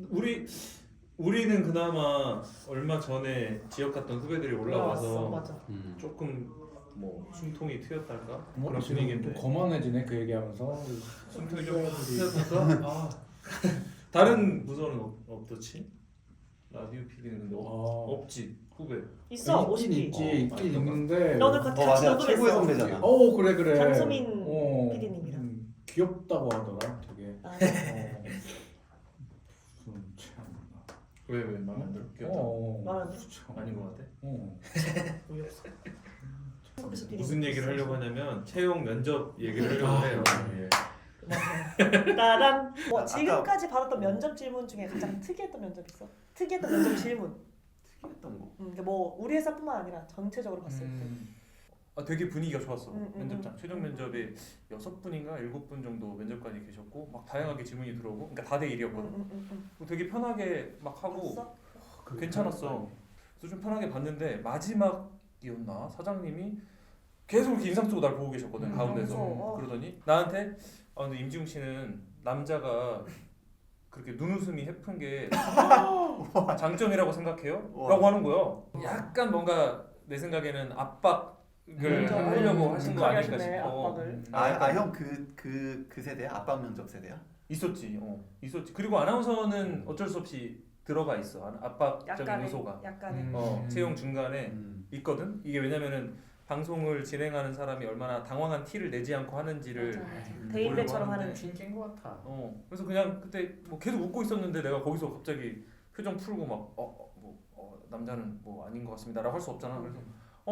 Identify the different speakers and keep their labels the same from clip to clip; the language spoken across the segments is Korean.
Speaker 1: 우리는 그나마 얼마 전에 지역 갔던 후배들이 올라와서
Speaker 2: 맞아.
Speaker 1: 조금 뭐 숨통이 트였달까
Speaker 3: 뭐
Speaker 1: 그런
Speaker 3: 지금
Speaker 1: 분위기인데.
Speaker 3: 좀 거만해지네 그 얘기하면서.
Speaker 1: 숨통이 좀 트였달까? 다른 부서는 어떻지? 라디오 PD는 근데 없지 후배.
Speaker 2: 있어.
Speaker 3: 있긴
Speaker 2: 50기.
Speaker 3: 있지 있긴 있는데.
Speaker 2: 너는 같이
Speaker 4: 맞아. 최고의
Speaker 2: 녹음했어.
Speaker 4: 선배잖아.
Speaker 3: 그래.
Speaker 2: 장소민 PD님이랑.
Speaker 3: 귀엽다고 하더라 되게.
Speaker 2: 아,
Speaker 3: 무슨 참.
Speaker 1: 왜 마음에 안 들어? 귀엽다.
Speaker 2: 말하네.
Speaker 1: 아닌 것 같아.
Speaker 2: 어이없어.
Speaker 1: 무슨 얘기를 하려고 하냐면 채용 면접 얘기를 하려고 해요. 예.
Speaker 2: 따란. 지금까지 받았던 면접 질문 중에 가장 특이했던 면접 있어? 특이했던 면접 질문.
Speaker 4: 특이했던 거.
Speaker 2: 그러니까 뭐 우리 회사뿐만 아니라 전체적으로 봤을 때.
Speaker 1: 되게 분위기가 좋았어.
Speaker 2: 음.
Speaker 1: 면접장 최종 면접에 6분인가 7분 정도 면접관이 계셨고 막 다양하게 질문이 들어오고 그러니까 다대 1이었거든. 되게 편하게 막 하고
Speaker 2: 봤어?
Speaker 1: 괜찮았어. 그래서 좀 편하게 봤는데 마지막이었나 사장님이 계속 이렇게 인상 쓰고 날 보고 계셨거든 가운데서.
Speaker 2: 무서워.
Speaker 1: 그러더니 나한테 근데 임지웅 씨는 남자가 그렇게 눈웃음이 해픈 게 장점이라고 생각해요? 라고 하는 거야. 약간 뭔가 내 생각에는 압박을 하려고 하신 거 아닐까 싶어.
Speaker 2: 압박을.
Speaker 4: 형 그 세대야? 압박 면접 세대야?
Speaker 1: 있었지. 있었지. 그리고 아나운서는 어쩔 수 없이 들어가 있어. 압박적인 요소가.
Speaker 2: 약간의.
Speaker 1: 채용 중간에 있거든. 이게 왜냐면은 방송을 진행하는 사람이 얼마나 당황한 티를 내지 않고 하는지를
Speaker 2: 맞아. 대인배처럼 하는.
Speaker 3: 핑계인 것 같아.
Speaker 1: 그래서 그냥 그때 뭐 계속 웃고 있었는데 내가 거기서 갑자기 표정 풀고 막 남자는 뭐 아닌 것 같습니다라고 할 수 없잖아. 그래서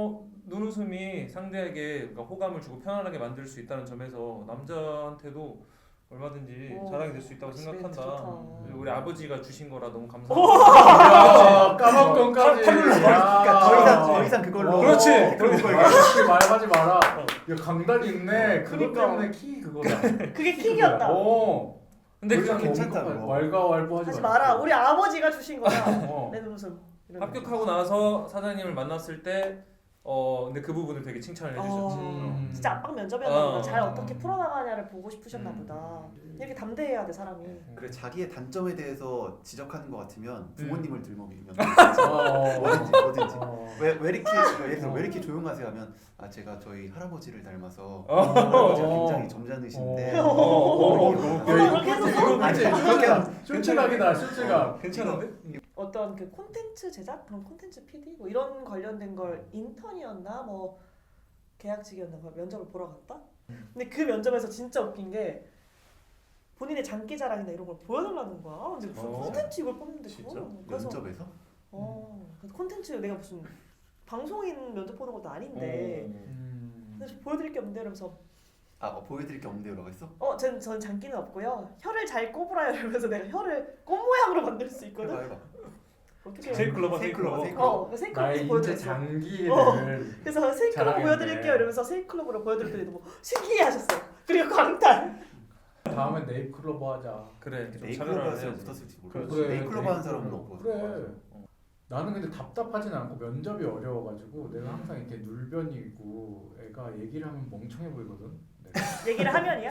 Speaker 1: 눈웃음이 상대에게 그러니까 호감을 주고 편안하게 만들 수 있다는 점에서 남자한테도 얼마든지 자랑이 될 수 있다고 생각한다. 우리 아버지가 주신 거라 너무 감사합니다.
Speaker 3: 까먹건까지.
Speaker 4: 그러니까 더 이상 그걸로.
Speaker 1: 그렇지.
Speaker 3: 그렇게 말하지 마라. 야 강단이 있네. 그것
Speaker 2: 그러니까.
Speaker 3: 때문에 키 그거다.
Speaker 2: 그게 킥이었다.
Speaker 1: 근데
Speaker 4: 그게
Speaker 1: 그
Speaker 4: 괜찮다, 그거.
Speaker 3: 왈가왈부하지
Speaker 2: 하지 마라. 우리 아버지가 주신 거야. 내 눈웃음.
Speaker 1: 합격하고 나서 사장님을 만났을 때 근데 그 부분을 되게 칭찬을 해주셨지.
Speaker 2: 진짜 압박 면접이었나 보다. 잘 어떻게 풀어나가냐를 보고 싶으셨나 보다. 이렇게 담대해야 돼 사람이.
Speaker 4: 그래 자기의 단점에 대해서 지적하는 것 같으면 부모님을 들먹이면 뭐든지. 왜 이렇게 예를 들어 왜 이렇게 조용하세요 하면 제가 저희 할아버지를 닮아서 할아버지가 굉장히 점잖으신데
Speaker 2: 그렇게 해서
Speaker 3: 쇼츠각이다 쇼츠각.
Speaker 1: 괜찮은데?
Speaker 2: 어떤 그 콘텐츠 제작 그런 콘텐츠 PD 뭐 이런 관련된 걸 인턴이었나 뭐 계약직이었나 그 면접을 보러 갔다. 근데 그 면접에서 진짜 웃긴 게 본인의 장기 자랑이나 이런 걸 보여달라는 거야. 근데 무슨 콘텐츠 이걸 뽑는데
Speaker 1: 진짜?
Speaker 2: 그거? 그래서
Speaker 4: 면접에서?
Speaker 2: 그래서 콘텐츠 내가 무슨 방송인 면접 보는 것도 아닌데 그래서 보여드릴 게 없는데 이러면서
Speaker 4: 보여드릴 게 없는데요라고 했어?
Speaker 2: 전 장기는 없고요. 혀를 잘 꼽으라요 이러면서 내가 혀를 꽃 모양으로 만들 수 있거든.
Speaker 4: 해봐.
Speaker 2: 어떻게
Speaker 1: 세이클로버.
Speaker 2: 세이클럽에서
Speaker 3: 나의 인체
Speaker 2: 보여드렸어.
Speaker 3: 장기를.
Speaker 2: 그래서 세이클럽
Speaker 3: 자랑했네.
Speaker 2: 보여드릴게요 이러면서 세이클럽으로 보여드렸더니 너무 신기해하셨어. 그리고 광탈.
Speaker 3: 다음에 네잎클로버 하자.
Speaker 1: 그래. 좀
Speaker 4: 네이클로버
Speaker 1: 차별화를
Speaker 4: 했으면
Speaker 1: 해야지.
Speaker 4: 붙었을지
Speaker 3: 그래,
Speaker 4: 모르겠어. 네이클로버 하는 사람은 없고.
Speaker 3: 그래. 나는 근데 답답하진 않고 면접이 어려워가지고 내가 항상 이렇게 눌변이고 애가 얘기를 하면 멍청해 보이거든.
Speaker 2: 얘기를 하면이야?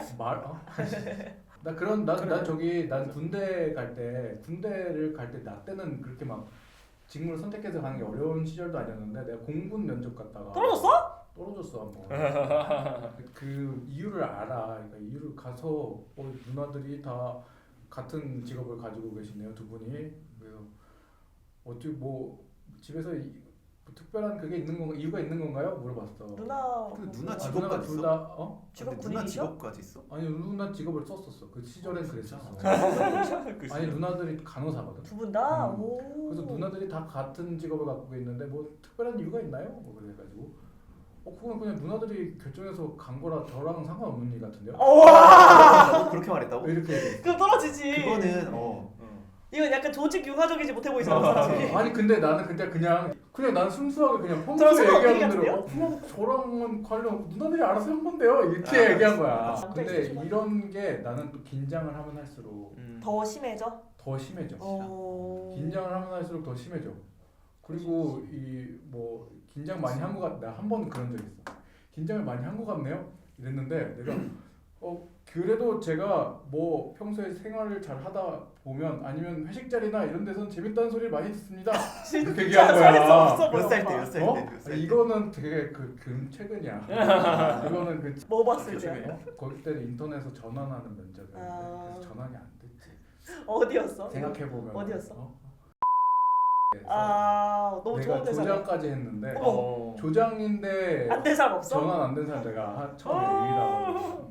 Speaker 3: 난 군대를 갈 때 나 때는 그렇게 막 직무를 선택해서 가는 게 어려운 시절도 아니었는데 내가 공군 면접 갔다가 떨어졌어 한번. 그 이유를 알아. 그러니까 이유를 가서 누나들이 다 같은 직업을 가지고 계시네요 두 분이. 그래서 어떻게 뭐 집에서 뭐 특별한 그게 있는 건가 이유가 있는 건가요? 물어봤어.
Speaker 2: 누나
Speaker 4: 누나
Speaker 3: 누나가
Speaker 4: 직업까지
Speaker 3: 둘
Speaker 4: 있어?
Speaker 3: 다
Speaker 2: 직업
Speaker 4: 누나
Speaker 2: 군인이셔?
Speaker 4: 직업까지 있어?
Speaker 3: 아니 누나 직업을 썼었어. 그 시절엔 그랬었어. 아니
Speaker 1: 그
Speaker 3: 누나들이 간호사거든.
Speaker 2: 두 분 다? 오.
Speaker 3: 그래서 누나들이 다 같은 직업을 갖고 있는데 뭐 특별한 이유가 있나요? 뭐 그래가지고 그건 그냥 누나들이 결정해서 간 거라 저랑 상관없는 일 같은데요?
Speaker 2: 와.
Speaker 4: 그렇게 말했다고?
Speaker 3: 왜 이렇게 얘기해?
Speaker 2: 그럼 떨어지지.
Speaker 4: 그거는
Speaker 2: 이건 약간 조직 융화적이지 못해 보이잖아 사람이.
Speaker 3: 아니 근데 나는 그냥 난 순수하게 그냥
Speaker 2: 저랑
Speaker 3: 평소에
Speaker 2: 상관없는
Speaker 3: 얘기하는 대로
Speaker 2: 같은데요?
Speaker 3: 저랑은 관련 누나들이 알아서 한 건데요 이렇게 얘기한 거야.
Speaker 2: 남자
Speaker 3: 근데
Speaker 2: 있으시구나.
Speaker 3: 이런 게 나는 또 긴장을 하면 할수록
Speaker 2: 더 심해져?
Speaker 3: 더 심해져.
Speaker 2: 긴장을
Speaker 3: 하면 할수록 더 심해져. 그리고 이 뭐 긴장 많이 한 것 같다. 한 번 그런 적 있어. 긴장을 많이 한 것 같네요. 이랬는데 내가 그래도 제가 뭐 평소에 생활을 잘 하다 보면 아니면 회식 자리나 이런 데서는 재밌다는 소리를 많이 듣습니다. 이렇게 얘기한
Speaker 2: 진짜 살수
Speaker 3: 거야.
Speaker 2: 없어 보여.
Speaker 4: 몇 살 때,
Speaker 2: 오빠.
Speaker 4: 몇 살
Speaker 3: 어?
Speaker 4: 때, 몇 살 때.
Speaker 3: 이거는 되게 최근이야. 이거는
Speaker 2: 뭐 봤을
Speaker 1: 그쵸,
Speaker 2: 때?
Speaker 1: 그쵸.
Speaker 3: 거기 때는 인터넷에서 전환하는 면접이었는데
Speaker 2: 아.
Speaker 3: 그래서 전환이 안 됐지.
Speaker 2: 어디였어?
Speaker 3: 생각해 보면
Speaker 2: 어디였어?
Speaker 3: 그래서
Speaker 2: 아 너무
Speaker 3: 내가
Speaker 2: 좋은 데잖아.
Speaker 3: 조장까지 했는데
Speaker 1: 어.
Speaker 3: 조장인데
Speaker 2: 안 된 사람 없어?
Speaker 3: 전환 안 된 사람 내가 처음에
Speaker 2: 어.
Speaker 3: 유일하고.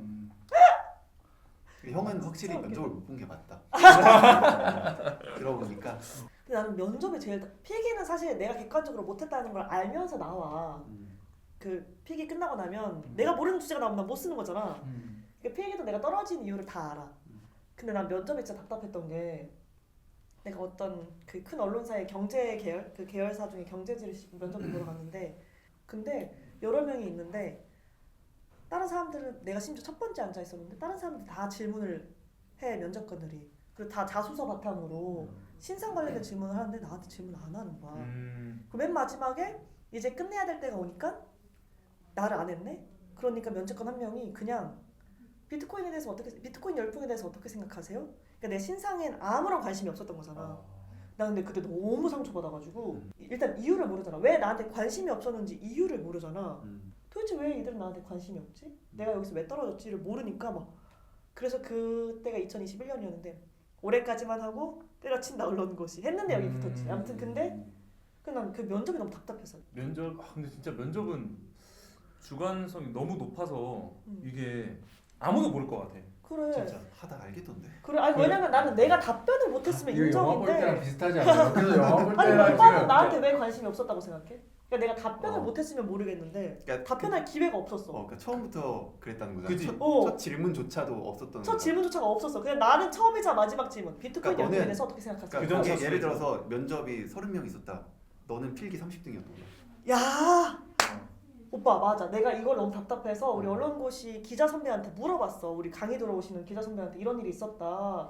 Speaker 4: 형은 확실히
Speaker 2: 진짜
Speaker 4: 면접을 못 본 게 맞다. 들어보니까.
Speaker 2: 근데 나는 면접이 제일 필기는 사실 내가 객관적으로 못했다는 걸 알면서 나와. 그 필기 끝나고 나면 내가 모르는 주제가 나오면 난 못 쓰는 거잖아. 그 필기도 내가 떨어진 이유를 다 알아. 근데 난 면접이 진짜 답답했던 게 내가 어떤 그 큰 언론사의 경제 계열 그 계열사 중에 경제지를 면접을 보러 갔는데 근데 여러 명이 있는데 다른 사람들은 내가 심지어 첫 번째 앉아 있었는데 다른 사람들 다 질문을 해 면접관들이 그리고 다 자소서 바탕으로 신상 관련된 질문을 하는데 나한테 질문 안 하는 거야. 그 맨 마지막에 이제 끝내야 될 때가 오니까 나를 안 했네. 그러니까 면접관 한 명이 그냥 비트코인에 대해서 비트코인 열풍에 대해서 어떻게 생각하세요? 그러니까 내 신상엔 아무런 관심이 없었던 거잖아. 나 근데 그때 너무 상처받아가지고 일단 이유를 모르잖아. 왜 나한테 관심이 없었는지 이유를 모르잖아. 도대체 왜 이들은 나한테 관심이 없지? 내가 여기서 왜 떨어졌지를 모르니까 막 그래서 그때가 2021년이었는데 올해까지만 하고 때려친다 언론고시 했는데 여기 붙었지. 아무튼 근데 난 그 면접이 너무 답답해서.
Speaker 1: 근데 진짜 면접은 주관성이 너무 높아서 이게 아무도 모를 것 같아.
Speaker 2: 그래.
Speaker 1: 진짜.
Speaker 4: 하다 알겠던데.
Speaker 2: 그래. 아니 왜냐면 나는 내가 답변을 못했으면
Speaker 3: 이거 영화 볼 때랑
Speaker 2: 인정인데.
Speaker 3: 비슷하지 않아요? 그래서 영화 볼
Speaker 2: 아니
Speaker 3: 때랑
Speaker 2: 오빠는
Speaker 3: 지금
Speaker 2: 나한테 왜 관심이 없었다고 생각해? 그러니까 내가 답변을
Speaker 4: 어.
Speaker 2: 못했으면 모르겠는데
Speaker 4: 그러니까
Speaker 2: 답변할 기회가 없었어.
Speaker 4: 그러니까 처음부터 그랬다는 거잖아.
Speaker 1: 그지?
Speaker 4: 첫 질문조차도 없었던
Speaker 2: 첫
Speaker 4: 거잖아.
Speaker 2: 질문조차가 없었어. 그냥 나는 처음이자 마지막 질문. 비트코인
Speaker 4: 그러니까
Speaker 2: 연구에
Speaker 4: 너는-
Speaker 2: 대해서 어떻게 생각하세요?
Speaker 4: 그러니까
Speaker 1: 그
Speaker 4: 거기에
Speaker 1: 정도
Speaker 4: 예를 들어서 면접이 30명 있었다. 너는 필기 30등이었던 거야.
Speaker 2: 야 오빠 맞아. 내가 이걸 너무 답답해서 우리 언론고시 기자 선배한테 물어봤어. 우리 강의 들어오시는 기자 선배한테 이런 일이 있었다.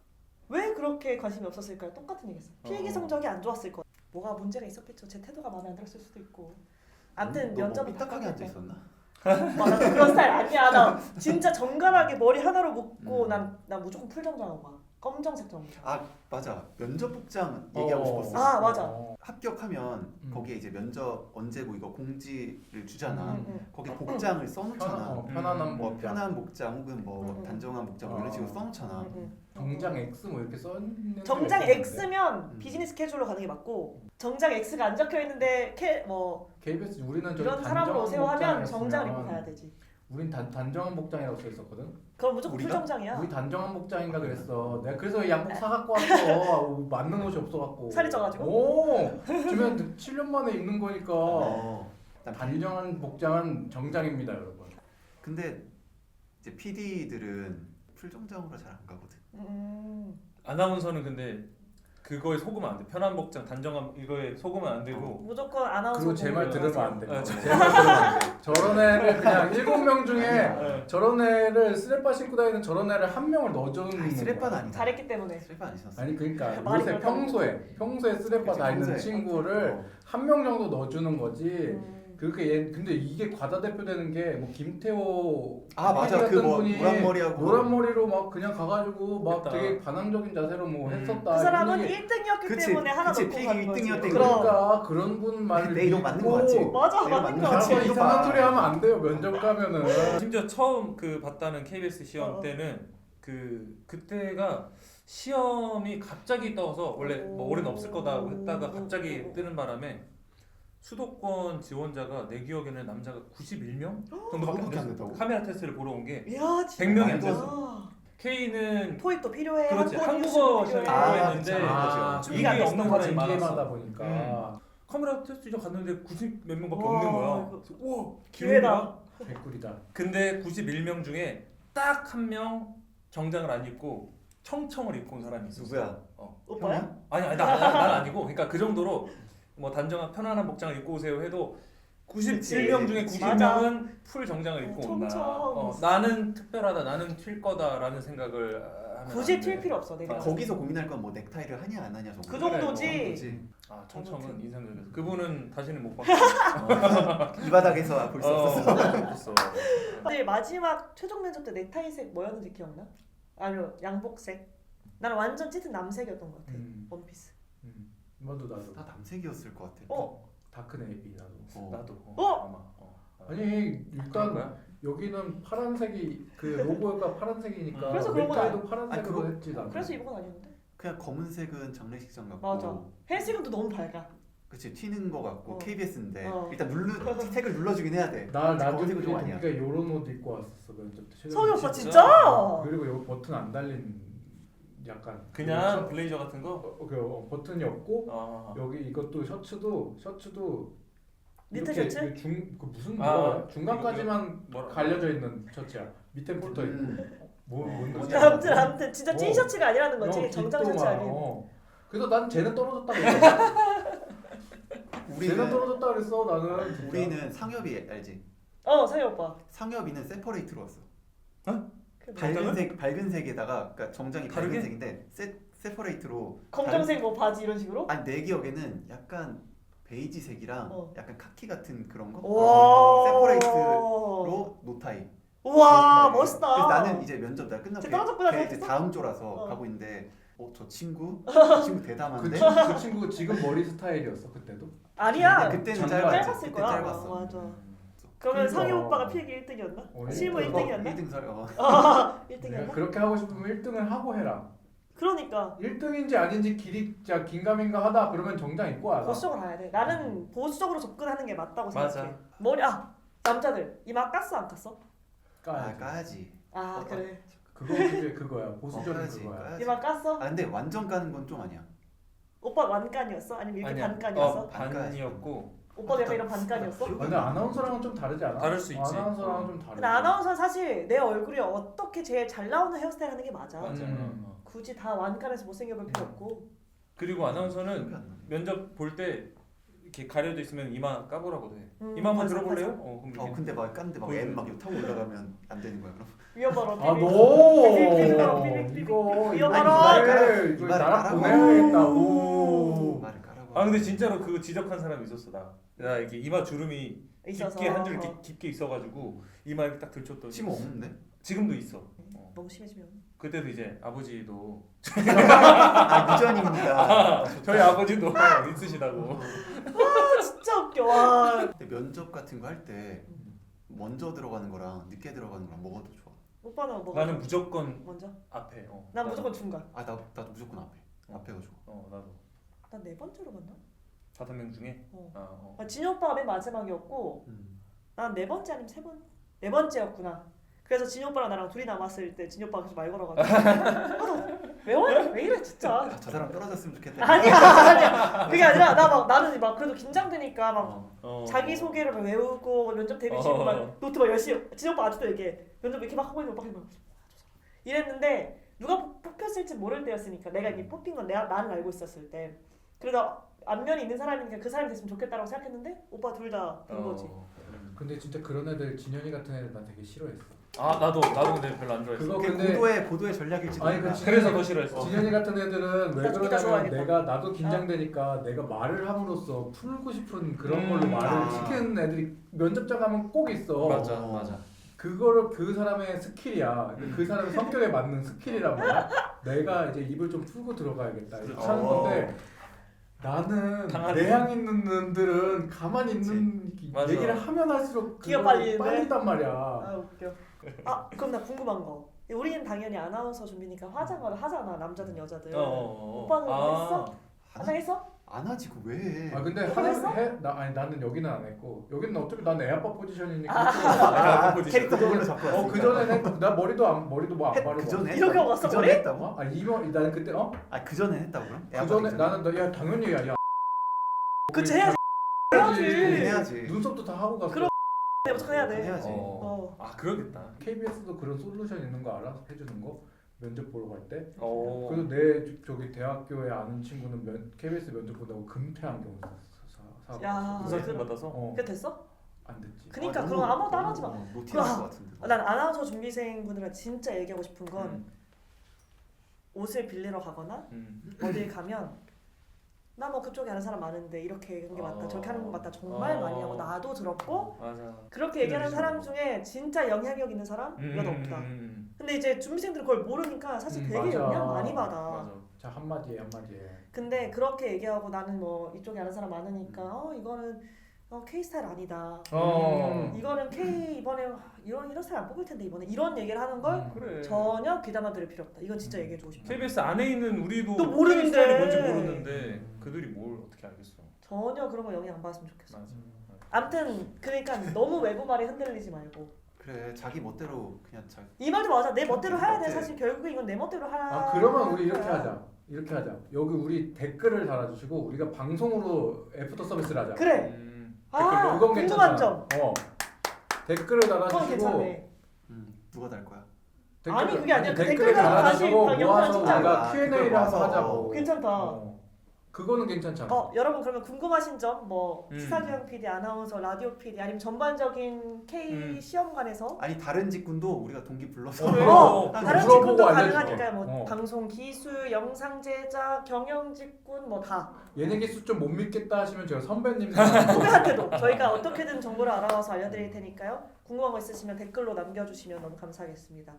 Speaker 2: 왜 그렇게 관심이 없었을까요? 똑같은 얘기했어. 필기 성적이 안 좋았을 거야. 뭐가 문제가 있었겠죠. 제 태도가 마음에 안 들었을 수도 있고. 아무튼
Speaker 4: 너
Speaker 2: 면접은
Speaker 4: 삐딱하게 앉아 있었나?
Speaker 2: 나 그런 스타일 아니야. 나 진짜 정갈하게 머리 하나로 묶고 난 무조건 풀정장하고 가. 검정색 정장.
Speaker 4: 아 맞아. 면접 복장 얘기하고 싶었어.
Speaker 2: 아, 맞아.
Speaker 4: 합격하면 거기에 이제 면접 언제고 이거 공지를 주잖아.
Speaker 2: 응.
Speaker 4: 거기 복장을 써놓잖아.
Speaker 3: 편안한
Speaker 4: 뭐
Speaker 3: 복장.
Speaker 4: 편한 복장 혹은 뭐
Speaker 2: 응.
Speaker 4: 단정한 복장 뭐 이런 식으로 써놓잖아.
Speaker 3: 정장 X 뭐 이렇게 써 있는
Speaker 2: 정장
Speaker 3: 게 있었는데.
Speaker 2: X면 비즈니스 캐주얼로 가는 게 맞고 정장 X가 안 적혀 있는데
Speaker 3: KBS 우리는 저기
Speaker 2: 이런 사람으로
Speaker 3: 단정한
Speaker 2: 오세요 하면
Speaker 3: 복장이었으면
Speaker 2: 정장을 입고 가야 되지.
Speaker 3: 우린 단정한 복장이라고 써 있었거든.
Speaker 2: 그럼 무조건
Speaker 4: 우리가?
Speaker 2: 풀정장이야.
Speaker 3: 우리 단정한 복장인가 그랬어. 내가 그래서 양복 사갖고 왔어. 맞는 옷이 없어갖고.
Speaker 2: 살이 쪄가지고?
Speaker 3: 오, 주면 7년 만에 입는 거니까.
Speaker 4: 난
Speaker 3: 단정한 복장은 정장입니다, 여러분.
Speaker 4: 근데 이제 PD들은 풀정장으로 잘 안 가거든.
Speaker 1: 아나운서는 근데 그거에 속으면 안 돼. 편한 복장, 단정한 이거에 속으면 안 되고.
Speaker 2: 무조건 아나운서
Speaker 3: 그리고 제 말
Speaker 2: 공부를
Speaker 3: 들으면 안 돼.
Speaker 1: 아,
Speaker 3: 제 말 들으면 안 돼. 저런 애를 그냥 7명 중에
Speaker 1: 네.
Speaker 3: 저런 애를 쓰레빠 신고 다니는 저런 애를 한 명을 넣어주는
Speaker 4: 아니 쓰레빠는
Speaker 3: 거야.
Speaker 4: 아니다.
Speaker 2: 잘했기 때문에.
Speaker 4: 쓰레빠 안 신었어.
Speaker 3: 아니 그러니까
Speaker 2: 말이
Speaker 3: 요새
Speaker 2: 그렇다고.
Speaker 3: 평소에 쓰레빠
Speaker 4: 그치,
Speaker 3: 다니는
Speaker 4: 평소에.
Speaker 3: 친구를 한 명 정도 넣어주는 거지.
Speaker 2: 음.
Speaker 3: 그렇게 근데 이게 과다 대표되는 게 뭐 김태호
Speaker 4: 아 맞아.
Speaker 3: PD
Speaker 4: 그
Speaker 3: 같은
Speaker 4: 뭐
Speaker 3: 분이
Speaker 4: 노란 머리하고
Speaker 3: 노란 머리로 막 그냥 가가지고 막
Speaker 1: 했다.
Speaker 3: 되게 반항적인 자세로 뭐 했었다.
Speaker 2: 그 사람은
Speaker 3: 이런 얘기-
Speaker 2: 1등이었기
Speaker 4: 그치,
Speaker 2: 때문에 하나
Speaker 4: 그치,
Speaker 2: 넣고
Speaker 4: 필기
Speaker 2: 가는 거지.
Speaker 4: 1등이었대.
Speaker 2: 그럼.
Speaker 3: 그러니까 그런 분 말을
Speaker 4: 내 이름 맞는 거
Speaker 3: 믿고
Speaker 4: 맞지?
Speaker 2: 맞아
Speaker 4: 내가
Speaker 2: 맞는
Speaker 4: 맞는
Speaker 2: 거
Speaker 4: 거
Speaker 2: 같아.
Speaker 4: 같지? 이거
Speaker 3: 이상한
Speaker 4: 봐.
Speaker 3: 소리 하면 안 돼요 면접 가면은.
Speaker 1: 심지어 처음 그 봤다는 KBS 시험
Speaker 2: 어.
Speaker 1: 때는 그때가 시험이 갑자기 떠서 원래 뭐 올해는 없을 거다 했다가 갑자기 뜨는 바람에 수도권 지원자가 내 기억에는 남자가 91명 정도밖에 안
Speaker 4: 그렇게 안
Speaker 1: 됐어.
Speaker 4: 됐다고?
Speaker 1: 카메라 테스트를 보러 온 게
Speaker 2: 이야 진짜.
Speaker 1: 100명이 안
Speaker 4: 말도 안
Speaker 1: 됐어. K는
Speaker 2: 토익도 필요해.
Speaker 1: 그렇지,
Speaker 2: 한국어
Speaker 1: 한국어
Speaker 2: 필요해.
Speaker 1: 시험이
Speaker 4: 아,
Speaker 1: 했는데
Speaker 4: 그쵸.
Speaker 3: 아,
Speaker 2: 준비가 안
Speaker 1: 이게
Speaker 2: 됐어.
Speaker 1: 없는 사람이
Speaker 3: 징계마다
Speaker 1: 많았어.
Speaker 3: 보니까
Speaker 1: 카메라 테스트 이제 갔는데 90 몇 명밖에
Speaker 2: 와,
Speaker 1: 없는 거야.
Speaker 2: 이거
Speaker 1: 그래서 우와
Speaker 2: 기회다.
Speaker 3: 개꿀이다.
Speaker 1: 근데 91명 중에 딱 한 명 정장을 안 입고 청청을 입고 온 사람이 있었어.
Speaker 4: 누구야?
Speaker 2: 오빠야?
Speaker 1: 아니 난 아니고 그러니까 그 정도로 뭐 단정한 편안한 복장을 입고 오세요 해도 97명 중에
Speaker 2: 그치.
Speaker 1: 90명은 풀 정장을 입고 온다.
Speaker 2: 총총.
Speaker 1: 나는 특별하다, 나는 튈 거다라는 생각을 하면
Speaker 2: 굳이
Speaker 1: 안
Speaker 2: 튈
Speaker 1: 돼.
Speaker 2: 필요 없어 내가.
Speaker 4: 거기서 고민할 건 뭐 넥타이를 하냐 안 하냐 정도.
Speaker 2: 그 정도지.
Speaker 4: 그 정도지.
Speaker 1: 아 청청은
Speaker 2: 아무튼.
Speaker 1: 인상적이었어. 그분은 다시는 못 봤어.
Speaker 4: 이 바닥에서 볼 수 없었어.
Speaker 1: 없었어.
Speaker 2: 근데 마지막 최종 면접 때 넥타이색 뭐였는지 기억나? 아니요 양복색. 나는 완전 짙은 남색이었던 것 같아. 원피스.
Speaker 3: 나도
Speaker 4: 다 남색이었을 것 같아.
Speaker 3: 다크 네이비 나도.
Speaker 1: 나도.
Speaker 2: 어?
Speaker 1: 아마.
Speaker 3: 아니
Speaker 1: 그런
Speaker 3: 일단
Speaker 1: 거야?
Speaker 3: 여기는 파란색이 그 로고가 파란색이니까
Speaker 2: 그래서 그런 건
Speaker 3: 넥타이도 파란색으로
Speaker 4: 아니, 그거-
Speaker 3: 했지 나는.
Speaker 2: 그래서 입은 건 아니었는데?
Speaker 4: 그냥 검은색은 장례식장 같고.
Speaker 2: 맞아. 헬스건도 너무 밝아.
Speaker 4: 그치 튀는 거 같고
Speaker 2: 어.
Speaker 4: KBS인데
Speaker 2: 어.
Speaker 4: 일단 택을 눌러주긴 해야 돼.
Speaker 3: 나 나중에
Speaker 4: 검은색은 좀 아니야.
Speaker 3: 동기가 요런 옷 입고 왔었어 면접 때.
Speaker 2: 성희 오빠
Speaker 1: 진짜?
Speaker 2: 진짜?
Speaker 3: 그리고 여기 버튼 안 달린 약간
Speaker 1: 그냥 블레이저 같은 거?
Speaker 3: 버튼이 없고
Speaker 1: 아.
Speaker 3: 여기 이것도 셔츠도
Speaker 2: 니트
Speaker 3: 이렇게
Speaker 2: 셔츠?
Speaker 3: 그 무슨
Speaker 1: 아,
Speaker 3: 뭐야? 중간까지만
Speaker 1: 뭐라-
Speaker 3: 갈려져 있는 셔츠야. 밑에 붙어 있고. 뭔
Speaker 4: 뭔지
Speaker 3: 셔츠야?
Speaker 2: 아무튼 진짜 찐
Speaker 3: 어.
Speaker 2: 셔츠가 아니라는 거지. 정장
Speaker 3: 깃도
Speaker 2: 셔츠
Speaker 3: 막,
Speaker 2: 아닌.
Speaker 3: 그래서 난 쟤는 떨어졌다고 그랬어. 쟤는
Speaker 4: 우리는
Speaker 3: 떨어졌다 그랬어 나는. 진짜.
Speaker 4: 우리는 상엽이 알지?
Speaker 2: 성희 오빠.
Speaker 4: 상엽이는 세퍼레이트로 왔어.
Speaker 2: 그
Speaker 4: 밝은 색에다가 그러니까 정장이
Speaker 1: 다르게?
Speaker 4: 밝은 색인데 세퍼레이트로.
Speaker 2: 검정색 뭐 바지 이런 식으로?
Speaker 4: 아니 내 기억에는 약간 베이지색이랑
Speaker 2: 어.
Speaker 4: 약간 카키 같은 그런 거.
Speaker 2: 와.
Speaker 4: 세퍼레이트로 노타이.
Speaker 2: 우와
Speaker 4: 노타이.
Speaker 2: 멋있다.
Speaker 4: 그래서 나는 이제 면접 날 끝나고
Speaker 2: 쟤 떨어졌구나
Speaker 4: 이제
Speaker 2: 생각했어?
Speaker 4: 다음 조라서
Speaker 2: 어.
Speaker 4: 가고 있는데 저 친구 대담한데.
Speaker 3: 그 친구 지금 머리 스타일이었어 그때도.
Speaker 2: 아니야.
Speaker 4: 근데 그때는
Speaker 3: 장난
Speaker 4: 짧았지.
Speaker 2: 짧았을
Speaker 4: 그때
Speaker 2: 거야.
Speaker 4: 짧았어.
Speaker 2: 맞아.
Speaker 4: 음.
Speaker 2: 그러면
Speaker 3: 그러니까.
Speaker 2: 상희 오빠가 필기 1등이었나? 실무 1등이었나?
Speaker 4: 1등 설.
Speaker 2: 아,
Speaker 3: 내가
Speaker 2: 1등이었나?
Speaker 3: 그렇게 하고 싶으면 1등을 하고 해라.
Speaker 2: 그러니까
Speaker 3: 1등인지 아닌지 길이 진짜 긴가민가 하다 그러면 정장 입고 와라.
Speaker 2: 보수적으로 가야 돼. 나는 보수적으로 접근하는 게 맞다고
Speaker 1: 맞아.
Speaker 2: 생각해. 머리 남자들 이마 깠어 안 깠어?
Speaker 4: 아 까야지.
Speaker 2: 아 그래.
Speaker 3: 그거 그게 그거야. 보수적인
Speaker 4: 까야지.
Speaker 3: 그거야.
Speaker 4: 까야지.
Speaker 2: 이마 깠어?
Speaker 4: 아 근데 완전 까는 건 좀 아니야.
Speaker 2: 오빠 완간이었어? 아니면 이렇게
Speaker 1: 아니야.
Speaker 2: 반간이었어?
Speaker 1: 반이었고.
Speaker 2: 오빠가 약간 이런 반간이었어?
Speaker 3: 근데 아나운서랑은 좀 다르지 않아?
Speaker 1: 다를 수 있지.
Speaker 3: 아나운서랑은 좀 다르지.
Speaker 2: 근데 아나운서는 사실 내 얼굴이 어떻게 제일 잘 나오는 헤어스타일 하는 게 맞아.
Speaker 1: 맞아.
Speaker 2: 굳이 다 완간해서 못생겨 볼 필요 없고.
Speaker 1: 그리고 아나운서는
Speaker 4: 기억이 안 나네.
Speaker 1: 면접 볼 때 이렇게 가려져 있으면 이마 까보라고 돼.
Speaker 2: 음,
Speaker 1: 이마 한번
Speaker 2: 맞아,
Speaker 1: 들어볼래요?
Speaker 2: 맞아.
Speaker 1: 그럼 이렇게.
Speaker 4: 근데 막 깠는데 막
Speaker 1: 보이네.
Speaker 4: M 막 타고 올라가면 안 되는 거야 그럼.
Speaker 2: 위험하러
Speaker 3: 아
Speaker 2: 삐삐.
Speaker 3: 너
Speaker 2: 삐삐삐삐삐삐삐.
Speaker 3: 이거
Speaker 2: 위험하러.
Speaker 3: 이거
Speaker 4: 이마를
Speaker 3: 나락
Speaker 4: 까라고.
Speaker 3: 보내야겠다고.
Speaker 4: 말을 까라고.
Speaker 1: 아 근데 진짜로 그거 지적한 사람이 있었어 나 이렇게 이마 주름이
Speaker 2: 있어서.
Speaker 1: 깊게 한 줄 이렇게 깊게 있어가지고 이마 이렇게 딱 들쳤더니
Speaker 4: 지금 없는데?
Speaker 1: 지금도 있어.
Speaker 2: 너무 심해지면.
Speaker 1: 그때도 이제 아버지도
Speaker 4: 아 유전입니다.
Speaker 1: 저희 아버지도 있으시다고.
Speaker 2: 진짜 웃겨. 와.
Speaker 4: 근데 면접 같은 거 할 때 먼저 들어가는 거랑 늦게 들어가는 거랑 뭐가 더 좋아?
Speaker 2: 오빠는 뭐?
Speaker 1: 나는 무조건
Speaker 2: 먼저?
Speaker 1: 앞에.
Speaker 2: 난 무조건 중간.
Speaker 4: 아 나도 무조건 앞에. 앞에가 좋아.
Speaker 1: 나도
Speaker 2: 난 네 번째로 갔나?
Speaker 1: 5명 중에.
Speaker 2: 어. 진이 오빠가 맨 마지막이었고
Speaker 4: 음.
Speaker 2: 난 네 번째 아니면 네 번째였구나. 그래서 진이 오빠랑 나랑 둘이 남았을 때 진이 오빠가 계속 말 걸어가지고 왜 이래 진짜.
Speaker 4: 아, 저 사람 떨어졌으면 좋겠다.
Speaker 2: 아니야. 그게 아니라 나는 막 그래도 긴장되니까 막 자기 소개를 막 외우고 면접 대비시고 막 노트 막 열심히. 진이 오빠 아직도 이렇게 면접 이렇게 막 하고 있는 오빠 막 이랬는데 누가 뽑혔을지 모를 때였으니까 내가 이미 뽑힌 건 나는 알고 있었을 때. 그래서 안면이 있는 사람이니까 그 사람이 됐으면 좋겠다라고 생각했는데 오빠 둘 다 된 거지.
Speaker 3: 근데 진짜 그런 애들 진현이 같은 애들 나 되게 싫어했어.
Speaker 1: 아 나도 근데 별로 안 좋아했어.
Speaker 3: 그거
Speaker 4: 그게
Speaker 3: 근데
Speaker 4: 보도의 전략일지도
Speaker 3: 아니,
Speaker 4: 몰라.
Speaker 3: 그
Speaker 1: 그래서 더 싫어했어.
Speaker 3: 진현이 같은 애들은 왜
Speaker 2: 나 죽이다
Speaker 3: 그러냐면
Speaker 2: 좋아하겠다.
Speaker 3: 내가 나도 긴장되니까 내가 말을 함으로써 풀고 싶은 그런 걸로 말을
Speaker 4: 아.
Speaker 3: 시키는 애들이 면접장 가면 꼭 있어.
Speaker 1: 맞아.
Speaker 3: 그거를 그 사람의 스킬이야. 그 사람의 성격에 맞는 스킬이란 말이야. 내가 이제 입을 좀 풀고 들어가야겠다. 이렇게 하는 건데 나는
Speaker 1: 당하네.
Speaker 3: 내향 있는 놈들은 가만히 있는
Speaker 1: 맞아.
Speaker 3: 얘기를 하면 할수록
Speaker 2: 기가
Speaker 3: 그거를
Speaker 2: 빨리는데?
Speaker 3: 빨린단 말이야.
Speaker 2: 아 웃겨. 그럼 나 궁금한 거. 우리는 당연히 아나운서 준비니까 화장을 하잖아 남자든 여자든. 오빠는 했어? 화장했어?
Speaker 4: 안 하지 그거 왜 해?
Speaker 3: 아 근데
Speaker 2: 그거 했어?
Speaker 3: 나는 여기는 안 했고 여기는 어차피 난 애아빠 포지션이니까.
Speaker 4: 캐릭터 그걸로 잡고 왔으니까.
Speaker 3: 그 전에는 나 머리도 뭐 안 바르고.
Speaker 4: 그 전에
Speaker 2: 이렇게 하고 왔어,
Speaker 4: 그 전에
Speaker 2: 머리?
Speaker 4: 했다고?
Speaker 3: 아 이번 나는 그때
Speaker 4: 그 전에 했다고 그럼?
Speaker 3: 그 전에 나는 야 당연히 야
Speaker 2: 그치 해야지.
Speaker 3: 해야지.
Speaker 4: 해야지.
Speaker 3: 눈썹도 다 하고 갔어.
Speaker 2: 그럼 무조건 해야 돼.
Speaker 4: 해야지.
Speaker 1: 아 그러겠다.
Speaker 3: KBS도 그런 솔루션 있는 거 알아? 해주는 거 면접 보러 갈 때.
Speaker 1: 어.
Speaker 3: 그래서 내 저기 대학교에 아는 친구는 KBS 면접 본다고 금태 안경 사.
Speaker 2: 야.
Speaker 1: 의사증 받아서.
Speaker 2: 그게 됐어?
Speaker 3: 안 듣지.
Speaker 2: 그니까 그런 거 아무것도 안 하지 마.
Speaker 4: 노티할 것 같은데.
Speaker 2: 난 아나운서 준비생분들은 진짜 얘기하고 싶은 건
Speaker 1: 음.
Speaker 2: 옷을 빌리러 가거나 어딜 가면 나 뭐 그쪽에 아는 사람 많은데 이렇게 하는 게 맞다 저렇게 하는 거 맞다 정말 많이 하고 나도 들었고
Speaker 1: 맞아.
Speaker 2: 그렇게 얘기하는 사람 중에 진짜 영향력 있는 사람 몇 없다. 근데 이제 준비생들은 그걸 모르니까 사실 되게
Speaker 3: 맞아.
Speaker 2: 영향 많이 받아.
Speaker 1: 맞아.
Speaker 3: 자 한마디에 한마디에.
Speaker 2: 근데 그렇게 얘기하고 나는 뭐 이쪽에 아는 사람 많으니까 이거는 K 스타일 아니다. 이거는 K 이번에 이런 스타일 안 뽑을 텐데 이번에 이런 얘기를 하는 걸
Speaker 1: 그래.
Speaker 2: 전혀 귀담아 들을 필요 없다. 이건 진짜 얘기해주고 싶다.
Speaker 1: KBS 안에 있는 우리도
Speaker 2: 또 모르는데.
Speaker 1: 스타일이 뭔지 모르는데 그들이 뭘 어떻게 알겠어?
Speaker 2: 전혀 그런 거 영향 안 받았으면 좋겠어.
Speaker 1: 맞아.
Speaker 2: 암튼 그러니까 너무 외부 말에 흔들리지 말고
Speaker 4: 그래 자기 멋대로 그냥 자기.
Speaker 2: 이 말도 맞아. 내 멋대로 해야 돼.
Speaker 4: 어때?
Speaker 2: 사실 결국에 이건 내 멋대로 하야.
Speaker 3: 아 그러면 우리 이렇게 하자. 이렇게 하자. 여기 우리 댓글을 달아주시고 우리가 방송으로 애프터 서비스를 하자.
Speaker 2: 그래.
Speaker 1: 댓글로
Speaker 2: 아
Speaker 3: 그건
Speaker 2: 궁금한
Speaker 3: 괜찮잖아.
Speaker 2: 점.
Speaker 3: 댓글을
Speaker 2: 그건
Speaker 3: 달아주시고
Speaker 2: 괜찮네.
Speaker 4: 누가 달 거야?
Speaker 2: 아니, 그게 아니라 그
Speaker 3: 댓글을
Speaker 2: 댓글 다시
Speaker 3: 달아주시고
Speaker 2: 영상
Speaker 3: 모아서
Speaker 2: 찍자.
Speaker 3: 우리가
Speaker 4: 아,
Speaker 3: Q&A를
Speaker 4: 그걸
Speaker 3: 한번
Speaker 4: 모아서.
Speaker 3: 하자고.
Speaker 2: 괜찮다.
Speaker 3: 그거는 괜찮잖아.
Speaker 2: 여러분 그러면 궁금하신 점 뭐
Speaker 1: 음.
Speaker 2: 시사교양 PD, 아나운서, 라디오 PD 아니면 전반적인 K 시험관에서
Speaker 4: 아니 다른 직군도 우리가 동기 불러서.
Speaker 1: 그래.
Speaker 2: 다른
Speaker 3: 물어보고
Speaker 2: 직군도
Speaker 3: 알려줄게.
Speaker 2: 가능하니까요. 뭐
Speaker 3: 어.
Speaker 2: 방송 기술, 영상 제작, 경영 직군 뭐 다
Speaker 3: 얘네 기수 좀 못 믿겠다 하시면 제가 선배님
Speaker 2: 후배한테도 저희가 어떻게든 정보를 알아와서 알려드릴 테니까요. 궁금한 거 있으시면 댓글로 남겨주시면 너무 감사하겠습니다.